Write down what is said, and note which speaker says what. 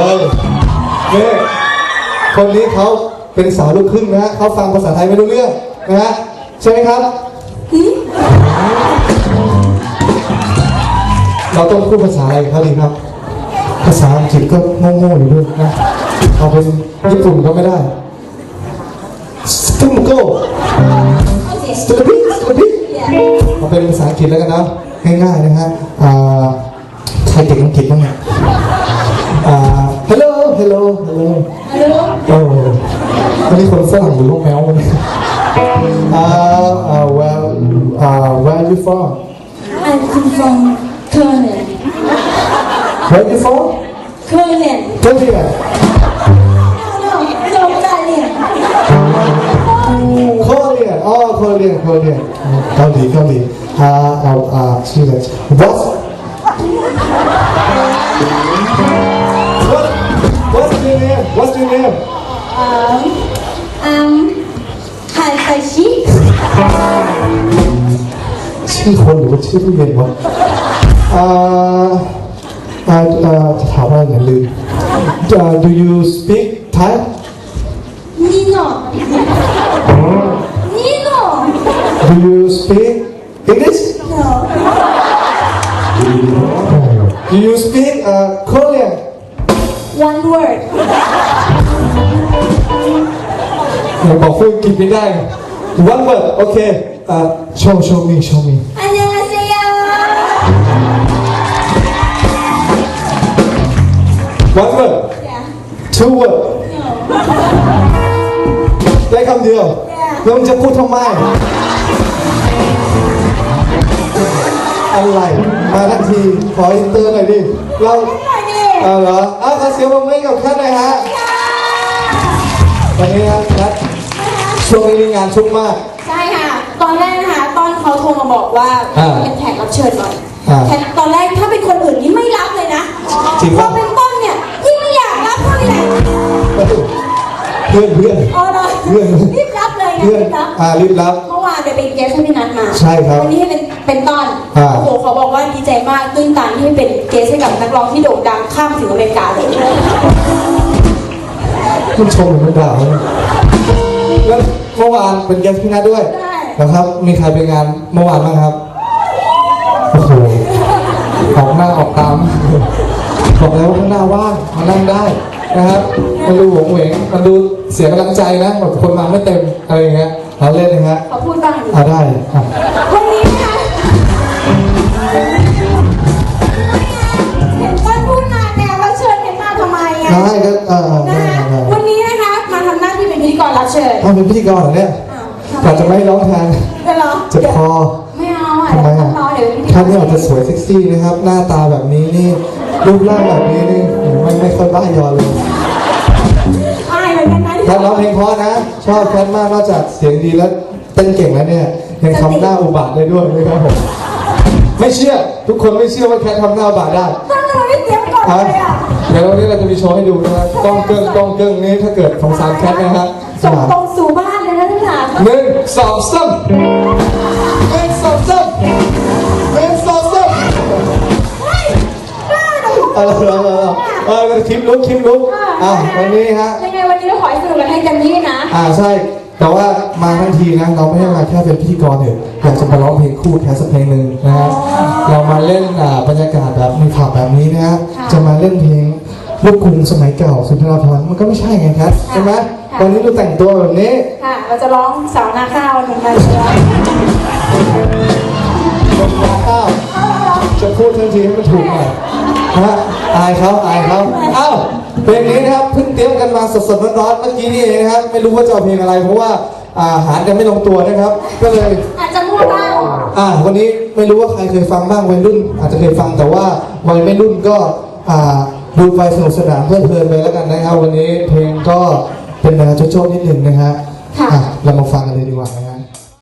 Speaker 1: นี่คนนี้เขาเป็นสาวลูกครึ่งนะฮะเขาฟังภาษาไทยไม่รู้เรื่องนะฮะใช่ไหมครับเราต้องพูดภาษาอะไรเขาดีครับภาษาอังกฤษก็โง่ๆอยู่ด้วยนะเอาเป็นญี่ปุ่นก็ไม่ได้สตูมโก้สตูดิเอาเป็นภาษาอังกฤษแล้วกันนะง่ายๆนะฮะใครเก่งอังกฤษบ้างเนี่ยhello โอ้วันนี้คนฝรั่งหรือลูกแมวมันwhere are you from
Speaker 2: I'm from Korea.
Speaker 1: where are you from
Speaker 2: Korean.
Speaker 1: Korea
Speaker 2: No, Korean.
Speaker 1: Korean อ๋อ Korean เกาหลีชื่ออะไร What's your name
Speaker 2: Hasashi.
Speaker 1: ชื่อคนหรือว่าชื่อผู้เย็นวะจะถามว่าอย่าลืม Do you speak Thai
Speaker 2: Nino.
Speaker 1: Do you speak English
Speaker 2: No.
Speaker 1: Do you speak Korean
Speaker 2: One word.
Speaker 1: บอกพูดกินไม่ได้ One word โอเคshow me
Speaker 2: 안녕하세요.
Speaker 1: One word
Speaker 2: Yeah.
Speaker 1: Two word
Speaker 2: No.
Speaker 1: ได้คำเดียวแล้วมึงจะพูดทำไมอะไรมาทันทีขออินเตอร์หน่อยดิเราเหรอขอเสียงปรบมือกับท่านหน่อยฮะวันนี้นะช่วงนี้มีงานชุกมาก
Speaker 2: ใช่ค่ะ ตอนแรกนะคะต้นเขาโทรมาบอกว่าเป็นแขกรับเชิญหน่อยแขกตอนแรกถ้าเป็นคนอื่นนี่ไม่รับเลยนะ
Speaker 1: จริง
Speaker 2: พ
Speaker 1: ปะ
Speaker 2: อเป็นต้นเนี่ยยิ่งไม่อยากรับเท่าไหร่
Speaker 1: เพื่อน
Speaker 2: อ๋อเลยรีบรับเลยนะรีบรับ
Speaker 1: รีบรับ
Speaker 2: เมื่อวานไปเป็นเกสให้พี่นัทมา
Speaker 1: ใช่ครับ
Speaker 2: วันนี้ให้เป็นต้นโอ้โหเขาบอกว่าดีใจมากตื้นตันที่ให้เป็นเกสให้กับนักร้องที่โด่งดังข้ามถึงอเมริกาเลย
Speaker 1: คุณชมหรือคุณด่าเนี่ยแล้วเมื่อวานเป็นแกสพี่นัทด้วยนะครับมีใครไปงานเมื่อวานบ้างครับโอ้โหออกหน้าออกตามบอกแล้วว่าข้างหน้าว่างมานั่งได้นะครับมันดูหวงเหวงมันดูเสียกำลังใจนะแบบคนมาไม่เต็มอะไรอย่างเงี้ยเราเล่นนะฮะ
Speaker 2: ขอพูดบ้าง
Speaker 1: ได้
Speaker 2: วันนี้นะคะเห็นต้นพูดมาเนี่ยเราเชิญเห็นมาทำไมอ่ะ
Speaker 1: ได้ก็
Speaker 2: นะคะวันนี้นะคะมาทำหน้าที่เป็นพิธีกรรับเชิญ
Speaker 1: เป็นพิธีกรเหรอเนี่ยแต่จะไม่ร้องแทน
Speaker 2: จะร้อง
Speaker 1: เจ็บคอ
Speaker 2: ไม่เอาอ่ะ
Speaker 1: ทำไม
Speaker 2: ต้องร้องเดี๋ยวพิธีกร
Speaker 1: ท่านนี่อาจจะสวยเซ็กซี่นะครับหน้าตาแบบนี้นี่รูปร่างแบบนี้นี่ไม่ค่อยบ้ายอเลย
Speaker 2: อายเหมือนกันนะ
Speaker 1: แคทร้องเพลงเพราะนะชอบแคทมากนอกจากเสียงดีแล้วเต้นเก่งแล้วเนี่ยยังทำหน้าอุบาทได้ด้วยนะครับผมไม่เชื่อทุกคนไม่เชื่อว่าแคททำหน้าอุบาทได้
Speaker 2: ต้องทำไมไม่เตรียมก่อนเลยอ่ะ
Speaker 1: เดี๋ยววันนี้เราจะมีโชว์ให้ดูนะครับกล้องเกิ้งนี้ถ้าเกิดของสารแคทนะครับ
Speaker 2: ส่งตรงสู่บ้านเลยนะท่าน
Speaker 1: 1 2 3 1 2 3 1 2 3คลิปลุกวันนี้ฮะ
Speaker 2: ยังไงวันนี้เราขอให้สนุกกันให้เต็มที่นะ
Speaker 1: ใช่แต่ว่ามาทั้งทีนะเราไม่ได้มาแค่เป็นพิธีกรเถอะอยากจะมาร้องเพลงคู่แค่สักเพลงหนึ่งนะฮะเรามาเล่นบรรยากาศแบบมีข่าวแบบนี้นะฮะจะมาเล่นเพลงลูกกรุงสมัยเก่าสุนทรภรณ์มันก็ไม่ใช่ไงครับใช่ไหมวันนี้เราแต่งตัวแบบนี้
Speaker 2: ค่ะเราจะร้องสาวนาข้าวเหมือนกันเลย
Speaker 1: จะพูดทันทีให้มันถูกหน่อยนะอายเขาเพลงนี้นะครับเพิ่งเตรียมกันมาสดๆร้อนๆเมื่อกี้นี่เองนะครับไม่รู้ว่าจะเอาเพลงอะไรเพราะว่าหากันไม่ลงตัวนะครับก็เลย
Speaker 2: อาจจะมั่วบ้าง
Speaker 1: วันนี้ไม่รู้ว่าใครเคยฟังบ้างวัยรุ่นอาจจะเคยฟังแต่ว่าวัยไม่รุ่นก็ดูไปสนุกสนานเพลิดเพลินไปแล้วกันนะครับวันนี้เพลงก็เป็นแนวโจ๊ะๆนิดนึงนะฮะเรามาฟังกันเลยดีกว่า